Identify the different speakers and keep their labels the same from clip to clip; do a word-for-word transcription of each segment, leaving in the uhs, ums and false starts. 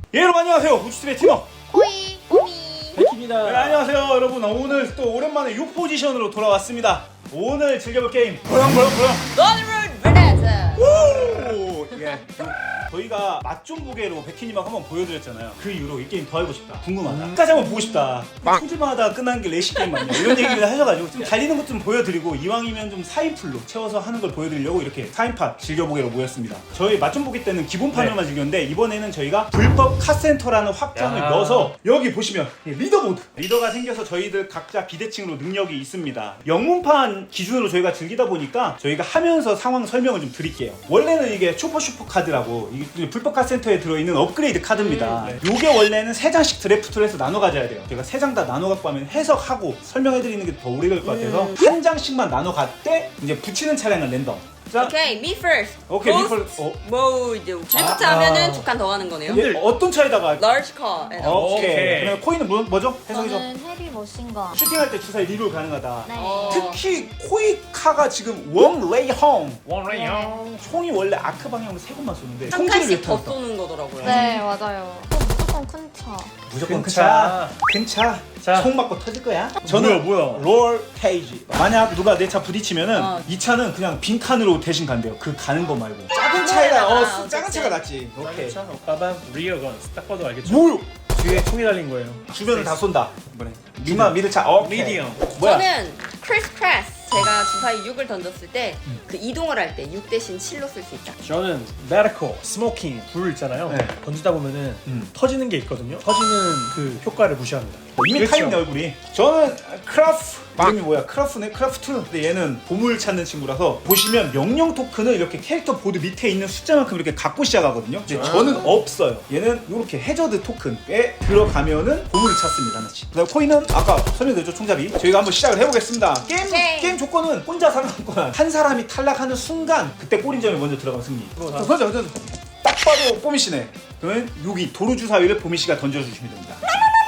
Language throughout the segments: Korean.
Speaker 1: 예, 여러분 안녕하세요. 우주팀의 팀워
Speaker 2: 호이 호미
Speaker 3: 백입니다.
Speaker 1: 네, 안녕하세요 여러분. 오늘 또 오랜만에 육 포지션으로 돌아왔습니다. 오늘 즐겨볼 게임 보영 보영 보영
Speaker 2: 너드롤 브레드
Speaker 1: 오! 예. 저희가 맛 좀 보게로 백희님하고 한번 보여드렸잖아요. 그 이후로 이 게임 더 해보고 싶다, 궁금하다,
Speaker 3: 음.
Speaker 1: 끝까지 한번 보고 싶다, 손질만 하다가 끝나는 게 레시 게임 맞냐 이런 얘기를 하셔가지고 좀 달리는 것 좀 보여드리고 이왕이면 좀 사 인 풀로 채워서 하는 걸 보여드리려고 이렇게 사 인팟 즐겨보게로 모였습니다. 저희 맛 좀 보기 때는 기본판으로만
Speaker 3: 네.
Speaker 1: 즐겼는데 이번에는 저희가 불법 카센터라는 확장을
Speaker 3: 야.
Speaker 1: 넣어서 여기 보시면 리더보드 리더가 생겨서 저희들 각자 비대칭으로 능력이 있습니다. 영문판 기준으로 저희가 즐기다 보니까 저희가 하면서 상황 설명을 좀 드릴게요. 원래는 이게 슈퍼 슈퍼 카드라고 이게 불법 카센터에 들어있는 업그레이드 카드입니다.
Speaker 3: 음,
Speaker 1: 요게 원래는 세 장씩 드래프트를 해서 나눠 가져야 돼요. 제가 세 장 다 나눠 갖고 하면 해석하고 설명해 드리는 게 더 오래 걸릴 것 같아서
Speaker 2: 음.
Speaker 1: 한 장씩만 나눠 갔대 이제 붙이는 차량은 랜덤. 자,
Speaker 2: 오케이 me first
Speaker 1: 오케이, me
Speaker 2: Most
Speaker 1: first. 어.
Speaker 2: mode 드래프트
Speaker 1: 아.
Speaker 2: 하면은 두 칸 더 가는 거네요.
Speaker 1: 예, 어떤 차에다가
Speaker 2: large car and
Speaker 1: 오케이.
Speaker 3: 오케이.
Speaker 1: 그다음에 코인은 뭐, 뭐죠? 해석해줘.
Speaker 4: 저는 헤비 머신건.
Speaker 1: 슈팅할 때 주사위 리롤 가능하다.
Speaker 4: 네.
Speaker 2: 어.
Speaker 1: 특히 코이카가 지금 웡레이헝
Speaker 3: 원레이 형.
Speaker 1: 총이 원래 아크 방향으로 세 곳만 쏘는데
Speaker 2: 한
Speaker 1: 총질을
Speaker 2: 칸씩 더
Speaker 1: 못한다.
Speaker 2: 쏘는 거더라고요.
Speaker 4: 네, 맞아요. 또 무조건 큰 차.
Speaker 1: 무조건
Speaker 3: 큰
Speaker 1: 큰
Speaker 3: 차.
Speaker 1: 차. 큰 차.
Speaker 3: 자.
Speaker 1: 총 맞고 터질 거야.
Speaker 3: 뭐야, 뭐야.
Speaker 1: 롤 페이지. 만약 누가 내 차 부딪히면은
Speaker 2: 어.
Speaker 1: 이 차는 그냥 빈 칸으로 대신 간대요. 그 가는 거 말고. 작은
Speaker 2: 아,
Speaker 1: 차이가 어
Speaker 2: 아,
Speaker 1: 쓰- 작은
Speaker 2: 어쨌든.
Speaker 1: 차가 낫지. 오케이.
Speaker 3: 차, 빠밤, 리어건. 딱 봐도 알겠죠?
Speaker 1: 뭐요?
Speaker 3: 뒤에 총이 달린 거예요.
Speaker 1: 주변을 다 쏜다. 이번에. 미마 미드 차. 어.
Speaker 3: 미디엄.
Speaker 1: 뭐야?
Speaker 2: 저는 크리스 크래스 제가 주사위 육을 던졌을 때 그 이동을 할 때 육 대신 칠로 쓸 수 있다.
Speaker 3: 저는 메디컬, 스모킹, 불 있잖아요.
Speaker 1: 네.
Speaker 3: 던지다 보면은
Speaker 1: 음.
Speaker 3: 터지는 게 있거든요. 터지는 그 효과를 무시합니다.
Speaker 1: 이미
Speaker 3: 그렇죠.
Speaker 1: 타있네 얼굴이. 저는 크라프 이름이 뭐야? 크라프네? 크라프트. 근데 얘는 보물 찾는 친구라서 보시면 명령 토큰을 이렇게 캐릭터 보드 밑에 있는 숫자만큼 이렇게 갖고 시작하거든요. 근데 저는 없어요. 얘는 이렇게 해저드 토큰에 들어가면은 보물을 찾습니다. 하나씩. 그다음 코인은 아까 설명드렸죠, 총잡이. 저희가 한번 시작을 해보겠습니다. 게임
Speaker 2: 오케이.
Speaker 1: 게임 조건은 혼자 살아남거나 한 사람이 탈락하는 순간 그때 꼬린점이 먼저 들어가면 승리. 자, 던져 던져. 딱 봐도 뽀미 씨네. 그러면 여기 도루 주사위를 뽀미 씨가 던져주시면 됩니다.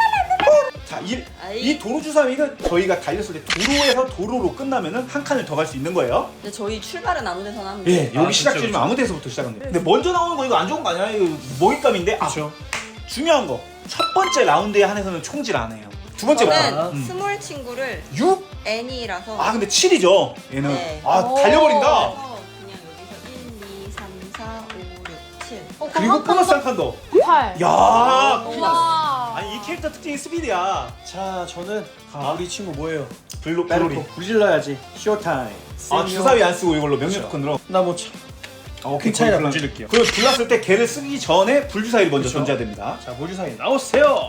Speaker 1: 자, 이,
Speaker 2: 아이.
Speaker 1: 이 도로 주사위는 저희가 달렸을 때 도로에서 도로로 끝나면은 한 칸을 더 갈 수 있는 거예요.
Speaker 2: 근데 저희 출발은 아무 데서나 하는데
Speaker 1: 예, 여기
Speaker 3: 아,
Speaker 1: 시작
Speaker 3: 그쵸,
Speaker 1: 지점
Speaker 3: 그쵸.
Speaker 1: 아무 데서부터 시작합니다. 근데 먼저 나오는 거 이거 안 좋은 거 아니야? 이거 먹잇감인데. 아,
Speaker 3: 그렇죠.
Speaker 1: 중요한 거. 첫 번째 라운드에 한해서는 총질 안 해요. 두 번째부터.
Speaker 2: 저는
Speaker 3: 아,
Speaker 1: 음.
Speaker 2: 스몰 친구를
Speaker 1: 육?
Speaker 2: N이라서
Speaker 1: 아, 근데 칠이죠. 얘는.
Speaker 2: 네.
Speaker 1: 아,
Speaker 4: 오.
Speaker 1: 달려버린다.
Speaker 2: 그래서 그냥 여기서 일, 이, 삼, 사, 오, 육, 칠
Speaker 4: 어,
Speaker 1: 그리고 보너스 한 칸 더.
Speaker 4: 팔.
Speaker 1: 야,
Speaker 4: 와.
Speaker 1: 아니 이 캐릭터 특징이 스피드야.
Speaker 3: 자, 저는 아, 우리 친구 뭐예요?
Speaker 1: 블로 블로리.
Speaker 3: 메디컬. 불 질러야지. 쇼타임.
Speaker 1: 아, 주사위 안 쓰고 이걸로 명령 토큰으로.
Speaker 3: 나뭐 참.
Speaker 1: 아, 오케이.
Speaker 3: 큰 차이나
Speaker 1: 불-
Speaker 3: 불질를게요.
Speaker 1: 그럼 불났을 때 걔를 쓰기 전에 불주사위를 먼저
Speaker 3: 그쵸.
Speaker 1: 던져야 됩니다.
Speaker 3: 자, 모주사위 나오세요.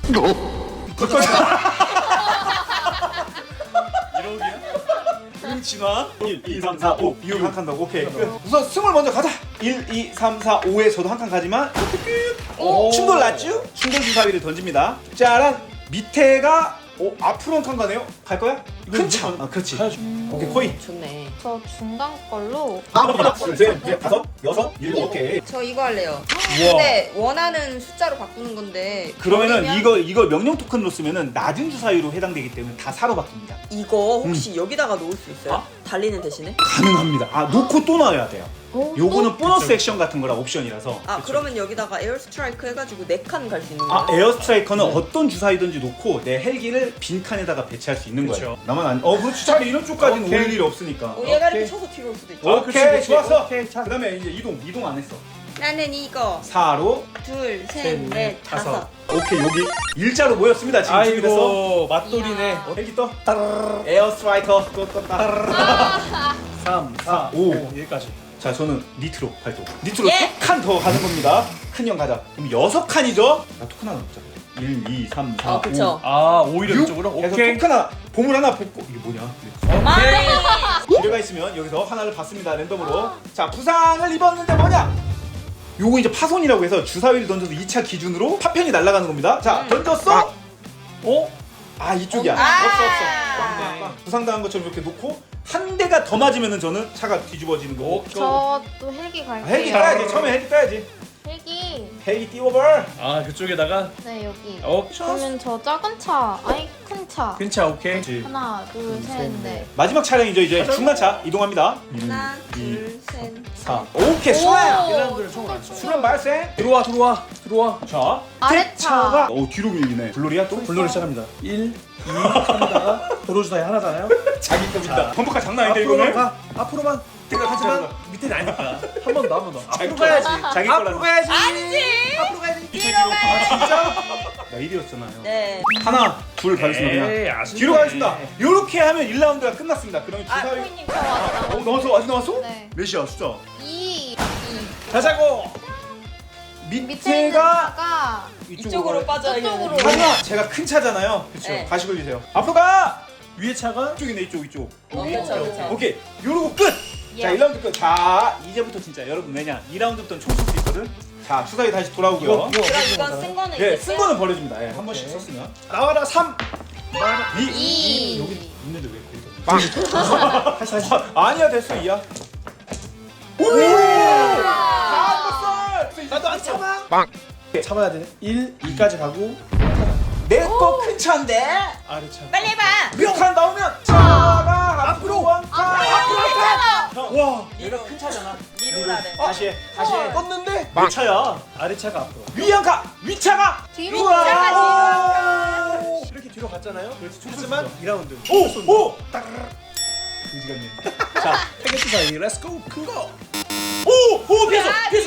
Speaker 3: 이러기야?
Speaker 1: 음, 진화 일, 이, 삼, 사, 오 육 한 칸 더. 오케이 끝. 우선 승을 먼저 가자. 일, 이, 삼, 사, 오에 저도 한 칸 가지만
Speaker 3: 오.
Speaker 1: 충돌 났죠? 충돌 주사위를 던집니다. 짜란 밑에가 오, 앞으로 한 칸 가네요. 갈 거야? 큰 차. 아, 그렇지.
Speaker 3: 가야죠.
Speaker 1: 오케이 코인.
Speaker 2: 좋네.
Speaker 4: 저 중간 걸로.
Speaker 1: 하나, 둘, 셋, 넷, 다섯, 여섯, 일곱. 오케이.
Speaker 2: 저 이거 할래요.
Speaker 1: 우와.
Speaker 2: 근데 원하는 숫자로 바꾸는 건데
Speaker 1: 그러면은
Speaker 2: 버리면
Speaker 1: 이거 이거 명령 토큰으로 쓰면은 낮은 주사위로 해당되기 때문에 다 사로 바뀝니다.
Speaker 2: 이거 혹시 여기다가 놓을 수 있어요? 달리는 대신에?
Speaker 1: 가능합니다. 아 놓고 또 넣어야 돼요.
Speaker 4: 오,
Speaker 1: 요거는 보너스
Speaker 3: 그쵸.
Speaker 1: 액션 같은 거라 옵션이라서.
Speaker 2: 아 그러면 여기다가 에어 스트라이크 해가지고 네 칸 갈 수 있는 거예요?
Speaker 1: 아 에어 스트라이커는 어떤 주사위든지 놓고 내 헬기를 빈 칸에다가 배치할 수 있는 거예요.
Speaker 3: 그쵸.
Speaker 1: 나만 안. 어 그렇지. 차라리 이런 쪽까지는
Speaker 3: 오케이.
Speaker 1: 올 일이 없으니까.
Speaker 2: 어, 얘가 이렇게
Speaker 3: 오케이.
Speaker 2: 쳐서 뒤로 올 수도 있죠.
Speaker 1: 오케이,
Speaker 3: 그치, 그치.
Speaker 1: 좋았어.
Speaker 3: 오케이, 자.
Speaker 1: 그다음에 이제 이동 이동 안 했어.
Speaker 2: 나는 이거
Speaker 1: 사로.
Speaker 2: 둘,
Speaker 3: 셋,
Speaker 2: 셋,
Speaker 3: 넷,
Speaker 2: 넷,
Speaker 3: 다섯.
Speaker 2: 다섯.
Speaker 1: 오케이 여기 일자로 모였습니다. 지금 준비됐어.
Speaker 3: 아이고, 맛돌이네.
Speaker 4: 이야.
Speaker 1: 어, 헬기 떠. 따르르르. 에어 스트라이커 또 떴다.
Speaker 3: 삼, 사,
Speaker 1: 오.
Speaker 3: 오. 여기까지.
Speaker 1: 자 저는 니트로 발동. 니트로
Speaker 2: 예.
Speaker 1: 세 칸 더 가는 겁니다. 큰 형 가자. 그럼 여섯 칸이죠? 나 토큰 하나 넣자. 일, 이, 삼, 사,
Speaker 2: 어, 그쵸.
Speaker 3: 아, 오히려
Speaker 1: 육.
Speaker 3: 이쪽으로?
Speaker 1: 그래서
Speaker 3: 오케이.
Speaker 1: 토큰 하나, 보물 하나 뽑고 이게 뭐냐?
Speaker 2: 오케이.
Speaker 1: 기회가 있으면 여기서 하나를 받습니다. 랜덤으로. 자 부상을 입었는데 뭐냐? 요거 이제 파손이라고 해서 주사위를 던져서 이 차 기준으로 파편이 날아가는 겁니다. 자
Speaker 2: 음.
Speaker 1: 던졌어?
Speaker 3: 어?
Speaker 1: 아 이쪽이야.
Speaker 2: 아.
Speaker 1: 없어 없어. 부상당한 것처럼 이렇게 놓고 한 대가 더 맞으면은 저는 차가 뒤집어지는 거고.
Speaker 3: 오케이.
Speaker 4: 저도 헬기
Speaker 1: 아,
Speaker 4: 갈게요.
Speaker 1: 헬기 따야지. 처음에 헬기 따야지.
Speaker 4: 헬기.
Speaker 1: 헬기 띄워버.
Speaker 3: 아, 그쪽에다가
Speaker 4: 네, 여기.
Speaker 3: 어,
Speaker 4: 그러면 저 작은 차, 아니 큰 차.
Speaker 3: 괜찮아, 오케이.
Speaker 4: 하나, 둘, 셋, 넷.
Speaker 1: 마지막 차량이죠. 이제 중간차 이동합니다.
Speaker 2: 하나,
Speaker 1: 일,
Speaker 2: 둘, 셋,
Speaker 1: 사. 오케이 수란.
Speaker 3: 일라운드를 총을 안 써.
Speaker 1: 수란 발생.
Speaker 3: 들어와, 들어와. 들어와.
Speaker 1: 자,
Speaker 4: 아래차.
Speaker 1: 차가 오 뒤로 밀리네. 블로리야 또?
Speaker 3: 블루를 시작합니다. 일, 이, 삼다가 도로 주사위 하나잖아요.
Speaker 1: 자기 겁니다.
Speaker 3: 자,
Speaker 1: 범퍼카 장난 아닌데
Speaker 3: 앞으로만
Speaker 1: 이거는?
Speaker 3: 가. 앞으로만. 하지만 밑에는 아니니까. 한 번 더, 한 번 더.
Speaker 1: 자기
Speaker 3: 앞으로
Speaker 1: 거.
Speaker 3: 가야지.
Speaker 1: 자기
Speaker 3: 앞으로
Speaker 1: 거라서.
Speaker 3: 가야지.
Speaker 2: 아니지.
Speaker 3: 앞으로 가야지.
Speaker 2: 뒤로 가야지.
Speaker 3: 진짜?
Speaker 1: 나 일이었잖아요.
Speaker 2: 네.
Speaker 1: 하나, 둘 가겠습니다.
Speaker 3: 에이,
Speaker 1: 그냥.
Speaker 3: 아쉽네.
Speaker 1: 뒤로 가겠습니다. 이렇게 하면 일 라운드가 끝났습니다. 그러면
Speaker 2: 아,
Speaker 1: 주사위.
Speaker 4: 코인님 저 왔다.
Speaker 1: 어, 나왔어? 아직 나왔어?
Speaker 4: 네.
Speaker 1: 몇이야 숫자?
Speaker 4: 이.
Speaker 3: 가자고.
Speaker 4: 밑에 있는
Speaker 1: 밑에가
Speaker 4: 차가
Speaker 2: 이쪽으로 빠져야
Speaker 4: 저쪽으로.
Speaker 2: 되는데.
Speaker 1: 하나 제가 큰 차잖아요. 그렇죠.
Speaker 2: 네.
Speaker 1: 다시 걸리세요. 앞으로 가.
Speaker 3: 위에 차가
Speaker 1: 이쪽이네 이쪽 이쪽.
Speaker 2: 어, 그렇죠, 그렇죠.
Speaker 1: 오케이. 요러고 끝. 자,
Speaker 4: 예.
Speaker 1: 일 라운드 끝. 자, 이제부터 진짜 여러분 왜냐? 이 라운드부터는 총 쏠 수 있거든. 자, 주사위 다시 돌아오고요.
Speaker 3: 이거, 이거.
Speaker 2: 그럼 이건 쓴 거는
Speaker 1: 예,
Speaker 2: 이제
Speaker 1: 쓴 거는 버려줍니다. 예, 한 번씩
Speaker 3: 오케이.
Speaker 1: 썼으면.
Speaker 3: 나와라 삼.
Speaker 1: 이.
Speaker 4: 이.
Speaker 1: 여기 있는데 왜 그래? 빵.
Speaker 3: 다시 다시.
Speaker 1: 아니야 됐어 이야. 오! 다 떴어.
Speaker 3: 나도 안 참아. 참아야 돼. 일, 이까지 가고
Speaker 1: 내거 큰 차인데.
Speaker 3: 아래 차.
Speaker 2: 빨리 해봐.
Speaker 1: 뮤칸 나오면 차가 앞으로 원칸 앞으로 형.
Speaker 3: 와.
Speaker 1: 얘가 큰 차잖아.
Speaker 2: 미로라래.
Speaker 1: 다시 해. 다시 해.
Speaker 3: 떴는데
Speaker 1: 내 차야.
Speaker 3: 아래 차가 앞으로.
Speaker 1: 위안카 위차가.
Speaker 4: 뒤로
Speaker 1: 우와.
Speaker 2: 위차가
Speaker 3: 이렇게 뒤로 갔잖아요.
Speaker 1: 그렇지,
Speaker 3: 하지만 이 라운드.
Speaker 1: 오! 오! 그지 같네. 자,
Speaker 3: 태게트 사이. 렛츠 고. 큰 거.
Speaker 1: 오! 오! 피했어!
Speaker 2: 아,
Speaker 1: 피했어!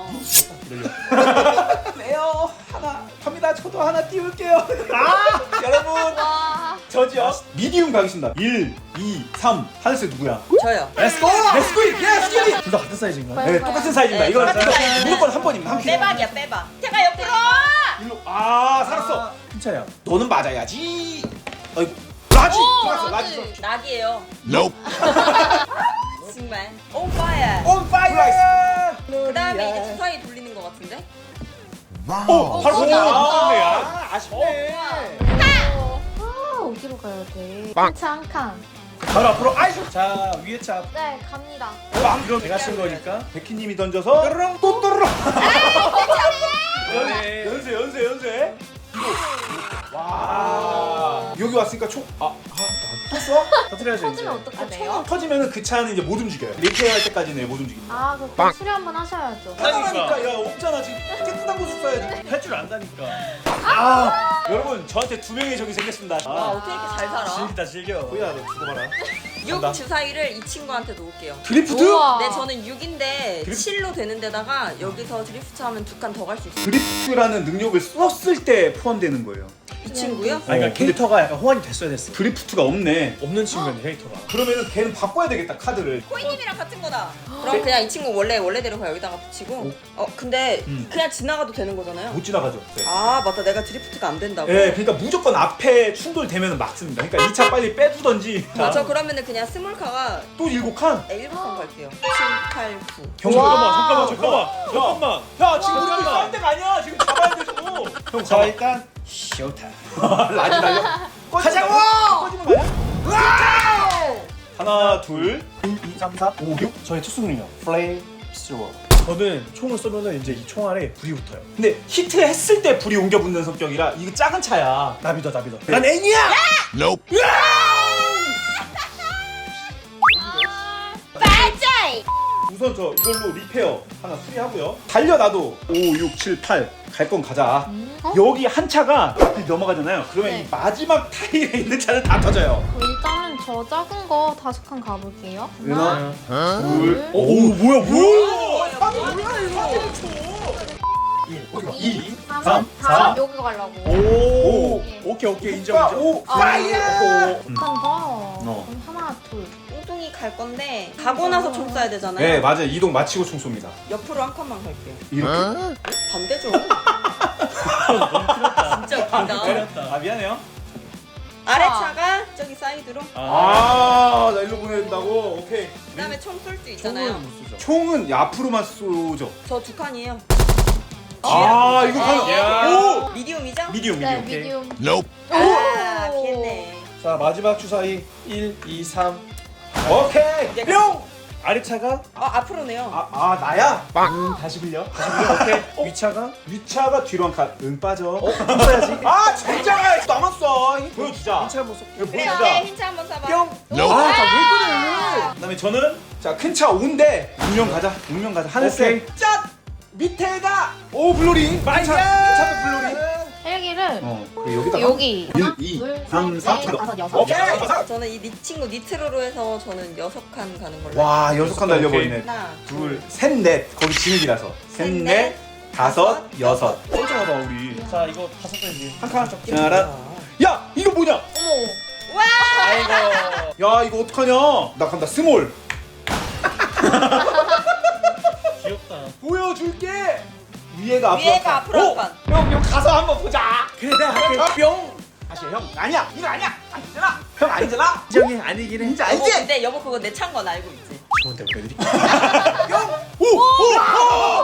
Speaker 2: 미디어.
Speaker 1: 네요. 하나 갑니다. 저도 하나 띄울게요. 아! 여러분
Speaker 4: 와.
Speaker 1: 저지요. 미디움 가겠습니다. 일, 이, 삼. 하늘색 누구야?
Speaker 2: 저요.
Speaker 3: 렛츠 고.
Speaker 1: 렛츠 고! 렛츠 고!
Speaker 3: 둘 다 같은 사이즈인가요?
Speaker 1: 네, 똑같은 사이즈입니다.
Speaker 2: 네,
Speaker 1: 이거
Speaker 2: 똑같은 사이즈.
Speaker 1: 무조건 한 번입니다. 한 킬.
Speaker 2: 빼박이야 빼박. 제가 옆으로.
Speaker 1: 일로. 아, 살았어.
Speaker 3: 아, 큰 차야.
Speaker 1: 너는 맞아야지. 어이구. 라지.
Speaker 4: 오,
Speaker 1: 살았어.
Speaker 4: 라지.
Speaker 1: 라지.
Speaker 2: 낙이에요.
Speaker 1: Nope.
Speaker 2: 정말. 오빠야.
Speaker 1: On fire.
Speaker 2: 그다음에 이제 주사위 돌리는 거 같은데.
Speaker 1: 오, 바로
Speaker 4: 오,
Speaker 1: 거기야.
Speaker 4: 오,
Speaker 1: 아, 아쉽네.
Speaker 4: 아, 어디로 가야 돼? 차 한 칸.
Speaker 3: 바로 앞으로. 아이고. 자, 위에 차.
Speaker 4: 네, 갑니다.
Speaker 1: 빵.
Speaker 3: 이거 내가 쓴 거니까.
Speaker 1: 백희님이 던져서 또르릉 또 또르릉.
Speaker 3: 네.
Speaker 1: 연세 연세 연세. 와. 여기 왔으니까 총. 아, 아, 탔어?
Speaker 3: 터트려야죠 이제.
Speaker 4: 터지면 어떻게
Speaker 1: 아,
Speaker 4: 돼요?
Speaker 1: 총 터지면은 그 차는 이제 못 움직여요. 리페어 할 때까지는 못 움직입니다.
Speaker 4: 아, 그럼 수리 한번 하셔야죠.
Speaker 1: 하나니까 야 없잖아 지금 깨끗한 곳을 써야지.
Speaker 3: 할 줄 안다니까.
Speaker 1: 아, 여러분 저한테 두 명의 적이 생겼습니다.
Speaker 2: 와
Speaker 1: 아,
Speaker 2: 어떻게 이렇게 잘 살아?
Speaker 3: 즐기다 즐겨.
Speaker 1: 호야 너 죽어봐라.
Speaker 2: 육
Speaker 1: 간다.
Speaker 2: 주사위를 이 친구한테 놓을게요.
Speaker 1: 드리프트?
Speaker 4: 우와.
Speaker 2: 네 저는 육인데
Speaker 1: 드리프-
Speaker 2: 칠로 되는 데다가 여기서 드리프트 하면 두 칸 더 갈 수 있어요.
Speaker 1: 드리프트라는 능력을 썼을 때 포함되는 거예요.
Speaker 2: 이 친구요?
Speaker 3: 아, 그러니까
Speaker 1: 어,
Speaker 3: 캐릭터가 약간 호환이 됐어야 됐어.
Speaker 1: 드리프트가 없네.
Speaker 3: 없는 친구였네 캐릭터가.
Speaker 1: 그러면은 걔는 바꿔야 되겠다 카드를.
Speaker 2: 코이님이랑 같은 거다. 그럼 그냥 이 친구 원래 원래대로 그냥 여기다가 붙이고. 어 근데
Speaker 1: 음.
Speaker 2: 그냥 지나가도 되는 거잖아요.
Speaker 1: 못 지나가죠. 네.
Speaker 2: 아 맞다 내가 드리프트가 안 된다고.
Speaker 1: 예, 그러니까 무조건 앞에 충돌되면 막습니다. 그러니까 이 차 빨리 빼두던지.
Speaker 2: 아, 저 그러면은 그냥 스몰카가
Speaker 1: 또 일곱 칸.
Speaker 2: 네, 일곱 칸 갈게요. 칠, 팔, 구.
Speaker 1: 형
Speaker 3: 잠깐만
Speaker 4: 와.
Speaker 3: 잠깐만 잠깐만 잠깐만.
Speaker 1: 야, 지금 우리
Speaker 3: 와.
Speaker 1: 싸울 때가 아니야. 지금 잡아야 돼 저거. 형
Speaker 3: 자 일단 쇼타임.
Speaker 1: 라지 날려.
Speaker 3: 가자고!
Speaker 1: 꺼지는 거 아니야? 하나, 둘.
Speaker 3: 일, 이, 삼, 사, 오, 육. 저의 특수능력 플레임 스트로. 저는 총을 쏘면은 이제 이 총 안에 불이 붙어요.
Speaker 1: 근데 히트했을 때 불이 옮겨 붙는 성격이라 이거 작은 차야.
Speaker 3: 나 믿어 나 믿어.
Speaker 1: 네.
Speaker 3: 난 애니야.
Speaker 2: 빠짜이!
Speaker 1: 우선 저 이걸로 리페어 하나 수리하고요. 달려놔도 오, 육, 칠, 팔 갈 건 가자.
Speaker 4: 음? 어?
Speaker 1: 여기 한 차가 앞에 넘어가잖아요. 그러면
Speaker 4: 네.
Speaker 1: 이 마지막 타일에 있는 차는 다 터져요.
Speaker 4: 어, 일단은 저 작은 거 다섯 칸 가볼게요.
Speaker 1: 하나,
Speaker 4: 하나,
Speaker 1: 둘,
Speaker 4: 둘,
Speaker 1: 오, 오 뭐야
Speaker 2: 뭐야,
Speaker 1: 아,
Speaker 2: 뭐야,
Speaker 1: 뭐야 이거?
Speaker 3: 이,
Speaker 4: 삼,
Speaker 3: 삼,
Speaker 4: 사,
Speaker 3: 사.
Speaker 4: 여기 가려고.
Speaker 3: 오.
Speaker 4: 예.
Speaker 3: 오케이 오케이 인정
Speaker 1: 자,
Speaker 3: 인정.
Speaker 1: 오,
Speaker 4: 아,
Speaker 1: 파이어!
Speaker 4: 한 칸 더.
Speaker 1: 어.
Speaker 4: 그럼 하나, 둘.
Speaker 2: 뚱뚱이 갈 건데 가고 나서 총 쏴야 되잖아요.
Speaker 1: 네, 맞아요. 이동 마치고 총 쏩니다.
Speaker 2: 옆으로 한 칸만 갈게요.
Speaker 1: 이렇게.
Speaker 2: 반대죠. 진짜 웃긴다.
Speaker 3: 때렸다.
Speaker 1: 아, 미안해요.
Speaker 2: 아래 차가 저기 사이드로.
Speaker 1: 아, 나 일로 보내야 된다고? 오케이.
Speaker 2: 그다음에 총 쏠 수 있잖아요.
Speaker 3: 총은 못 쏘죠.
Speaker 1: 총은 앞으로만 쏘죠.
Speaker 2: 저 두 칸이에요.
Speaker 1: 아, 이거
Speaker 2: 야.
Speaker 1: 가면. 오!
Speaker 2: 미디움이죠?
Speaker 1: 미디움,
Speaker 4: 네,
Speaker 1: 미디움.
Speaker 4: 미디움.
Speaker 2: 아 피했네.
Speaker 3: 자 마지막 주사위 일, 이, 삼.
Speaker 1: 오케이.
Speaker 2: 이제
Speaker 1: 뿅!
Speaker 2: 아
Speaker 1: 아래차가?
Speaker 2: 앞으로네요.
Speaker 1: 아, 아, 나야? 음, 다시 빌려. 다시 빌려. 오케이.
Speaker 3: 위차가
Speaker 1: 위차가 뒤로 한 칸. 응, 빠져.
Speaker 3: 어? 써야지.
Speaker 1: 아, 진짜 남았어. 이거 보여주자.
Speaker 3: 위차 한번 쏠게.
Speaker 1: 이거
Speaker 2: 그래
Speaker 1: 보여주자.
Speaker 2: 오케이 힌트 한번 쏴봐.
Speaker 1: 뿅! 아, 자, 왜 그래? 그 다음에 저는 자, 큰 차 오인데 운명 가자. 운명 가자. 하늘색.
Speaker 3: 오케이.
Speaker 1: 짠! 밑에가 오 블루리
Speaker 3: 마이야!
Speaker 1: 차도 블루리
Speaker 4: 헬기를
Speaker 1: 어 그리고 여기다가
Speaker 4: 여기
Speaker 1: 일, 이, 삼, 사,
Speaker 4: 넷, 다섯, 여섯.
Speaker 1: 오케이
Speaker 2: 저는 이 니 친구 니트로로 해서 저는 여섯 칸 가는 걸로.
Speaker 1: 와 여섯 칸 달려버리네
Speaker 2: 하나,
Speaker 1: 둘, 셋, 넷 거기 진흙이라서 셋, 넷, 다섯, 여섯
Speaker 3: 멀쩡하다 우리. 자 이거 다섯 개지.
Speaker 1: 한칸 짜란 야 이거 뭐냐
Speaker 4: 어머.
Speaker 2: 와!
Speaker 3: 아이고.
Speaker 1: 야 이거 어떡하냐 나 간다 스몰
Speaker 3: 귀엽다.
Speaker 1: 보여줄게 위에가 앞으로
Speaker 2: 위에가
Speaker 1: 한 칸.
Speaker 2: 앞으로
Speaker 1: 오!
Speaker 2: 한 칸.
Speaker 1: 형 이거 가서 한번 보자
Speaker 3: 그래 내가 할게. 뿅.
Speaker 1: 다시 해, 형 아니야 이거 아니야 아니잖아 형 아니잖아
Speaker 3: 인정이 아니긴 해.
Speaker 1: 진짜
Speaker 2: 여보,
Speaker 1: 알지?
Speaker 2: 근데 여보 그거 내 찬 건 알고 있지.
Speaker 3: 좋은데 보여드릴게.
Speaker 1: 오! 오! 오!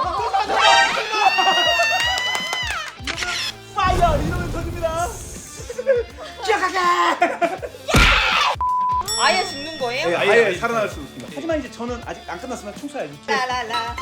Speaker 1: 파이어 이러면 터집니다 기억하게
Speaker 2: 아예 죽는 거예요?
Speaker 1: 네,
Speaker 3: 아예,
Speaker 1: 아예
Speaker 3: 아예
Speaker 1: 살아날 수 있습니다 하지만 이제 저는 아직 안 끝났으면 총 쏴야지
Speaker 2: 라라라.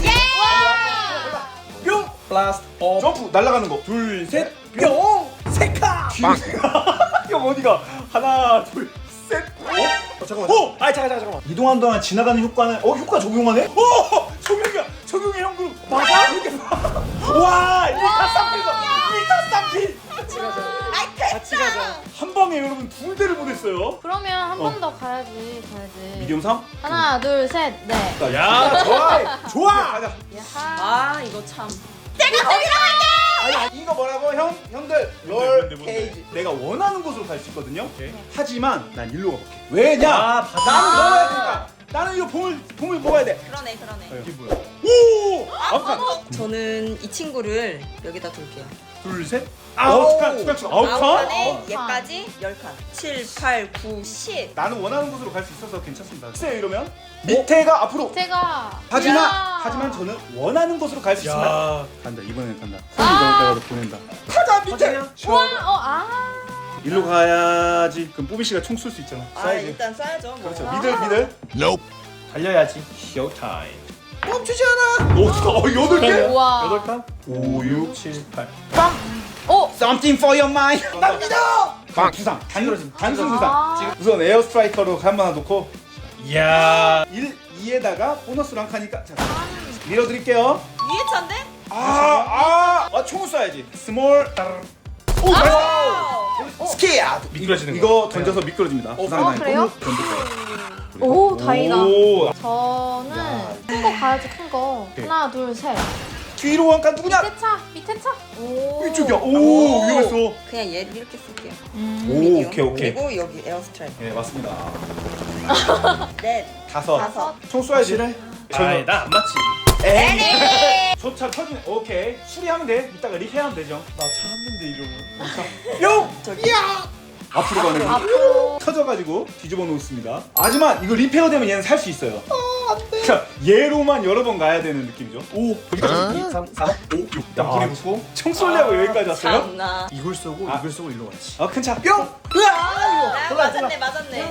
Speaker 1: 뿅!
Speaker 3: 플라스트 업.
Speaker 1: 점프 날아가는 거 둘, 셋, 뿅! 세카! 형 어디가? 하나, 둘, 셋, 오!
Speaker 3: 어, 잠깐만.
Speaker 1: 오!
Speaker 3: 아 잠깐 잠깐 잠깐만.
Speaker 1: 이동하는 동안 지나가는 효과는 어 효과 적용하네? 오! 적용이야! 적용해 형 그럼 맞아? 이렇게 봐. 와! 일타 쌍필이다! 일타 쌍필!
Speaker 3: 같이 가자.
Speaker 2: 아이
Speaker 3: 같이 가자.
Speaker 1: 한 방에 여러분 둘 대를 보냈어요
Speaker 4: 그러면 한 번
Speaker 1: 어.
Speaker 4: 더 가야지. 가야지.
Speaker 1: 미디엄 삼?
Speaker 4: 하나, 둘, 셋, 넷.
Speaker 3: 야
Speaker 1: 좋아! 좋아! 가자
Speaker 4: 야하.
Speaker 2: 아 이거 참.
Speaker 1: 아니, 아니 이거 뭐라고 형? 형들
Speaker 3: 뭔데,
Speaker 1: 롤
Speaker 3: 뭔데, 뭔데?
Speaker 1: 케이지 내가 원하는 곳으로 갈 수 있거든요
Speaker 3: 오케이.
Speaker 1: 하지만 난 일로 가볼게 왜냐?
Speaker 3: 아, 바다.
Speaker 1: 나는 먹어야 되니까 나는 이거 봉을, 봉을 먹어야 돼
Speaker 2: 그러네 그러네.
Speaker 1: 이게 뭐야? 오! 아홉
Speaker 2: 저는 이 친구를 여기다 둘게요.
Speaker 1: 둘, 셋
Speaker 2: 아홉.
Speaker 1: 아홉 칸, 두 칸, 두 칸, 아홉
Speaker 2: 아홉
Speaker 1: 칸?
Speaker 2: 칸에
Speaker 4: 아홉 칸.
Speaker 2: 얘까지 열 칸. 칠, 팔, 구, 십.
Speaker 1: 나는 원하는 곳으로 갈 수 있어서 괜찮습니다 글쎄요 이러면 밑에가 앞으로
Speaker 4: 제가.
Speaker 1: 하지만
Speaker 4: 야.
Speaker 1: 하지만 저는 원하는 곳으로 갈 수 있습니다
Speaker 3: 야.
Speaker 1: 간다 이번엔 간다
Speaker 4: 아.
Speaker 1: 손이 내가 보낸다 가자 밑에
Speaker 3: 가자.
Speaker 4: 우와, 어, 아.
Speaker 1: 일로 가야지 그럼 뽀비 씨가 총 쏠 수 있잖아
Speaker 2: 아 일단 쏴야죠. 뭐.
Speaker 1: 그렇죠 미들 미들
Speaker 3: 달려야지. 쇼 타임.
Speaker 1: 멈추지 않아 오 진짜 어 여덟 개
Speaker 4: 우와.
Speaker 3: 여덟 칸.
Speaker 1: 오, 육,
Speaker 3: 칠, 팔.
Speaker 4: 오.
Speaker 1: Something for your mind. 난 믿어. 빵 부상. 단 단순 부상.
Speaker 4: 아.
Speaker 1: 지금 우선 에어 스트라이커로 한 번 놓고
Speaker 3: 이야.
Speaker 1: 일, 이에다가 보너스로 한 칸이니까 자 밀어드릴게요.
Speaker 2: 위에 차인데?
Speaker 1: 아, 아, 아 총을 쏴야지. 스몰. 오,
Speaker 2: 아!
Speaker 1: 스키야.
Speaker 3: 미끄러지는
Speaker 1: 이거 던져서 미끄러집니다. 부상
Speaker 4: 어,
Speaker 1: 당했고.
Speaker 4: 그래요?
Speaker 1: 던졌어요.
Speaker 4: 오, 다행이다.
Speaker 1: 오,
Speaker 4: 저는 큰 거 가야지, 큰 거.
Speaker 1: 오케이.
Speaker 4: 하나, 둘, 셋.
Speaker 1: 뒤로 한 칸 누구냐?
Speaker 4: 밑에 차, 밑에 차. 오.
Speaker 1: 이쪽이야. 오, 위험했어.
Speaker 2: 그냥 얘를 이렇게 쓸게요.
Speaker 4: 음.
Speaker 1: 오,
Speaker 2: 미디움.
Speaker 1: 오케이, 오케이.
Speaker 2: 그리고 여기 에어 스트라이크.
Speaker 1: 네, 맞습니다.
Speaker 2: 넷,
Speaker 1: 다섯.
Speaker 2: 다섯.
Speaker 1: 총 쏴야지.
Speaker 3: 아이 나안 맞지.
Speaker 1: 에이. 저차 터지네. 오케이. 수리하면 돼. 이따가 리페하면 되죠.
Speaker 3: 나 참았는데 이러면.
Speaker 1: 뿅!
Speaker 2: 저기.
Speaker 1: 앞으로 가는 거.
Speaker 4: 앞으로.
Speaker 1: 터져가지고 뒤집어 놓습니다. 하지만 이거 리페어 되면 얘는 살 수 있어요. 그러니까 얘로만 여러 번 가야 되는 느낌이죠. 오, 여기까지.
Speaker 3: 이, 삼, 사, 오, 육.
Speaker 1: 야,
Speaker 3: 불이 붙고.
Speaker 1: 총 쏠려고 여기까지 왔어요?
Speaker 2: 참나.
Speaker 3: 이걸 쏘고
Speaker 1: 아.
Speaker 3: 이걸 쏘고 일로 가야지.
Speaker 1: 아, 큰 차. 뿅! 으아!
Speaker 2: 아, 맞았네, 맞았네.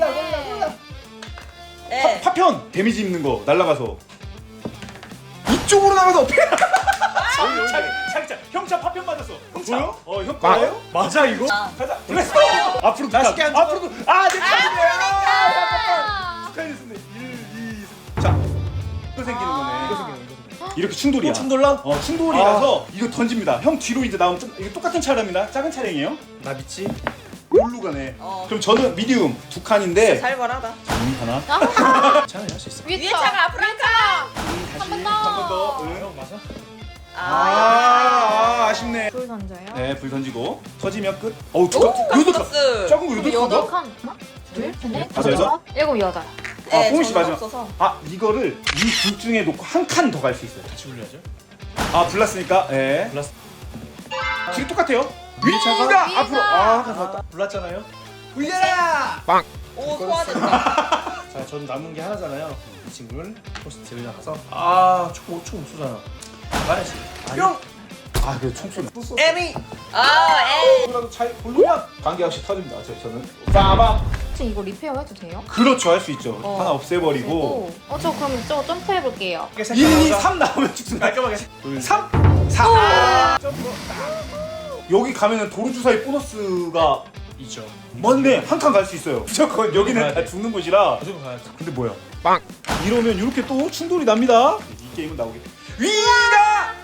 Speaker 2: 네.
Speaker 1: 파, 파편! 데미지 입는 거 날라가서 이쪽으로 나가서 자기, 자기, 자기 차. 형차 파편 맞았어. 형차.
Speaker 3: 뭐요?
Speaker 1: 어, 형 거예요?
Speaker 3: 맞아 이거?
Speaker 2: 아.
Speaker 1: 가자. 블레스! 앞으로 두
Speaker 3: 맛있게
Speaker 1: 칸.
Speaker 3: 앉아.
Speaker 1: 앞으로 두 아, 내 차례네.
Speaker 4: 아.
Speaker 1: 축하드렸습니다. 일, 이, 자. 이거 생기는 거네.
Speaker 3: 이거 생기는 거, 이거 생기는 거.
Speaker 1: 이렇게 충돌이야.
Speaker 3: 또 충돌나?
Speaker 1: 어, 충돌이라서 이거 던집니다. 형 뒤로 이제 나오면 좀, 이거 똑같은 차량입니다. 작은 차량이에요.
Speaker 3: 나 믿지?
Speaker 1: 여기로 가네.
Speaker 2: 어.
Speaker 1: 그럼 저는 미디움 두 칸인데
Speaker 2: 살벌하다.
Speaker 1: 음, 하나.
Speaker 3: 괜찮아 할 수 있어.
Speaker 2: 위에 차가 앞으로 한 차.
Speaker 1: 다시
Speaker 4: 번 더.
Speaker 1: 한 번 더. 응.
Speaker 3: 형 맞아?
Speaker 1: 아, 아, 아쉽네.
Speaker 4: 불 던져요.
Speaker 1: 네, 불 던지고 터지면 끝. 어우, 두 칸. 여덟 칸.
Speaker 2: 플러스.
Speaker 1: 작은 거
Speaker 4: 그럼
Speaker 1: 여덟
Speaker 4: 여덟
Speaker 1: 칸가?
Speaker 4: 칸. 하나, 둘, 셋,
Speaker 1: 다섯, 여섯?
Speaker 4: 일곱, 여덟.
Speaker 1: 아,
Speaker 2: 네,
Speaker 1: 뽕씨
Speaker 2: 저는
Speaker 1: 마지막.
Speaker 2: 없어서.
Speaker 1: 아, 이거를 이 둘 중에 놓고 한 칸 더 갈 수 있어요.
Speaker 3: 같이 굴려야죠.
Speaker 1: 아, 불났으니까. 예.
Speaker 3: 불났.
Speaker 1: 지금 똑같아요. 위가
Speaker 4: 위가.
Speaker 1: 앞으로. 아, 가져왔다.
Speaker 3: 불났잖아요.
Speaker 1: 불려라.
Speaker 2: 오, 소화됐다.
Speaker 3: 자, 전 남은 게 하나잖아요. 이 친구를 포스트에 나가서 아, 총, 총 쏘잖아. 말해야지.
Speaker 1: 뿅. 아, 그래 총 쏘네.
Speaker 3: 에미.
Speaker 2: 아, 에.
Speaker 1: 이거라도 잘 고르면 관계없이 터집니다. 저, 저는 빠밤.
Speaker 4: 혹시 이거 리페어 해도 돼요?
Speaker 1: 그렇죠, 할 수 있죠.
Speaker 4: 어.
Speaker 1: 하나 없애버리고
Speaker 4: 그리고 어, 저 그럼 저거 점프해 볼게요.
Speaker 1: 일, 이, 삼 나오면 죽습니다.
Speaker 3: 깔끔하게.
Speaker 1: 둘, 삼, 사. 아, 점프. 여기 가면은 도루 주사위 보너스가
Speaker 3: 있죠.
Speaker 1: 맞네. 한 칸 갈 수 있어요. 무조건 여기는
Speaker 3: 가야
Speaker 1: 다
Speaker 3: 돼.
Speaker 1: 죽는 곳이라.
Speaker 3: 무조건 가야지.
Speaker 1: 근데 뭐야? 빵. 이러면 이렇게 또 충돌이 납니다. 이 게임은 나오게. 위가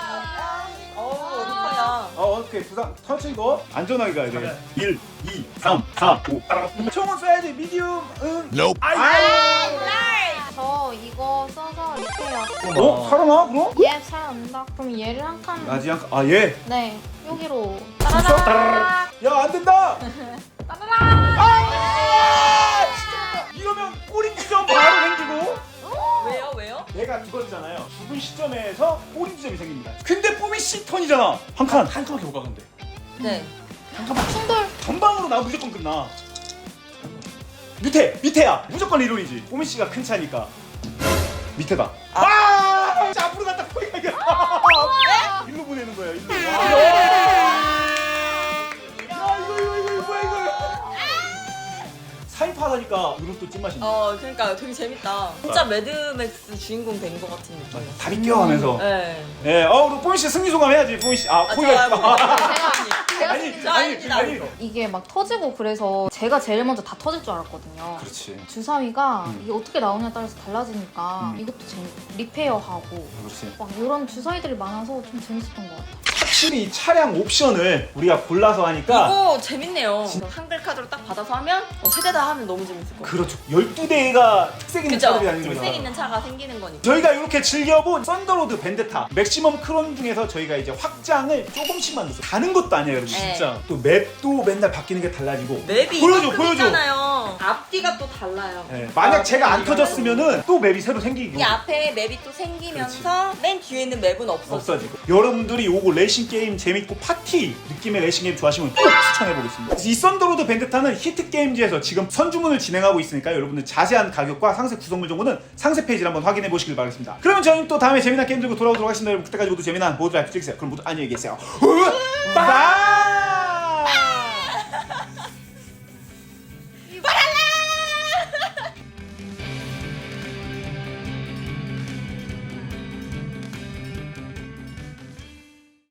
Speaker 2: 어, 어떡하냐.
Speaker 1: 어, 오케이. 부상 터치고 안전하게 가야 돼. 일, 이, 삼, 사, 오. 총은 쏴야지. 미디움. 응. 아이.
Speaker 4: 저 이거 써서 리페어.
Speaker 1: 어? 살아나? 그럼?
Speaker 4: 얘 살아난다. 그럼 얘를 한 칸.
Speaker 1: 아직 한 아, 얘.
Speaker 4: 네. 여기로.
Speaker 1: 따라라.
Speaker 4: 따라라.
Speaker 1: 야, 안 된다.
Speaker 4: 따라라.
Speaker 1: 아! 진짜. 이러면 꼬리 지점 바로 생기고.
Speaker 2: 왜요? 왜요?
Speaker 1: 얘가 죽었잖아요. 죽은 시점에서 꼬리 지점이 생깁니다. 근데 뽀미 씨 턴이잖아. 한 칸.
Speaker 3: 한 칸밖에 못 가는데.
Speaker 2: 네.
Speaker 4: 충돌.
Speaker 1: 전방으로 나 무조건 끝나. 밑에 밑에야 무조건 리롤이지. 뽀미 씨가 큰 차니까 밑에다. 아! 아! 자, 앞으로 갔다 거기 가야. 일로 보내는 거야. 일로. 야, 이거 이거 이거 이거 뭐야 이거. 사인파하니까 이런 또 찐맛이네.
Speaker 2: 어, 그러니까 되게 재밌다. 진짜 매드맥스 주인공 된 것 같은 느낌.
Speaker 1: 다리 껴가면서.
Speaker 2: 네.
Speaker 1: 예, 어, 우리 뽀미 씨 승리 소감 해야지. 뽀미 씨. 아,
Speaker 2: 아,
Speaker 1: 포기가
Speaker 2: 저요?
Speaker 1: 있다.
Speaker 4: 제가
Speaker 1: 아니,
Speaker 2: 진짜
Speaker 1: 아니,
Speaker 2: 아닙니다.
Speaker 1: 아니.
Speaker 4: 이게 막 터지고 그래서 제가 제일 먼저 다 터질 줄 알았거든요.
Speaker 1: 그렇지.
Speaker 4: 주사위가
Speaker 1: 음.
Speaker 4: 이게 어떻게 나오냐에 따라서 달라지니까
Speaker 1: 음.
Speaker 4: 이것도 재밌 리페어하고
Speaker 1: 그렇지.
Speaker 4: 막 이런 주사위들이 많아서 좀 재밌었던 것 같아요.
Speaker 1: 확실히 이 차량 옵션을 우리가 골라서 하니까
Speaker 2: 이거 재밌네요. 한글 카드로 딱 받아서 하면 어, 세대 다 하면 너무 재밌을 것 같아요.
Speaker 1: 그렇죠. 열두 대가 특색 있는
Speaker 2: 그죠?
Speaker 1: 차들이 아닌 거죠.
Speaker 2: 특색 있는 차가 생기는 거니까.
Speaker 1: 저희가 이렇게 즐겨본 썬더로드 벤데타 맥시멈 크론 중에서 저희가 이제 확장을 조금씩 만들었어요. 가는 것도 아니에요, 여러분.
Speaker 2: 네.
Speaker 3: 진짜.
Speaker 1: 또 맵도 맨날 바뀌는 게 달라지고.
Speaker 2: 맵이
Speaker 1: 보여줘,
Speaker 2: 이만큼
Speaker 1: 보여줘.
Speaker 2: 있잖아요. 앞뒤가 또 달라요.
Speaker 1: 네, 만약
Speaker 2: 아,
Speaker 1: 제가 안
Speaker 2: 이거는
Speaker 1: 터졌으면은 또 맵이 새로 생기고
Speaker 2: 이 앞에 맵이 또 생기면서 맨 뒤에 있는 맵은 없어져.
Speaker 1: 없어지고. 여러분들이 요거 레이싱 게임 재밌고 파티 느낌의 레이싱 게임 좋아하시면 꼭 추천해 보겠습니다. 이 썬더로드 벤데타는 히트 게임즈에서 지금 선주문을 진행하고 있으니까 여러분들 자세한 가격과 상세 구성물 정보는 상세 페이지를 한번 확인해 보시길 바라겠습니다. 그러면 저희는 또 다음에 재미난 게임 들고 돌아오도록 하겠습니다. 여러분 그때까지 모두 재미난 모두 라이프 즐기세요. 그럼 모두 안녕히 계세요. 바이.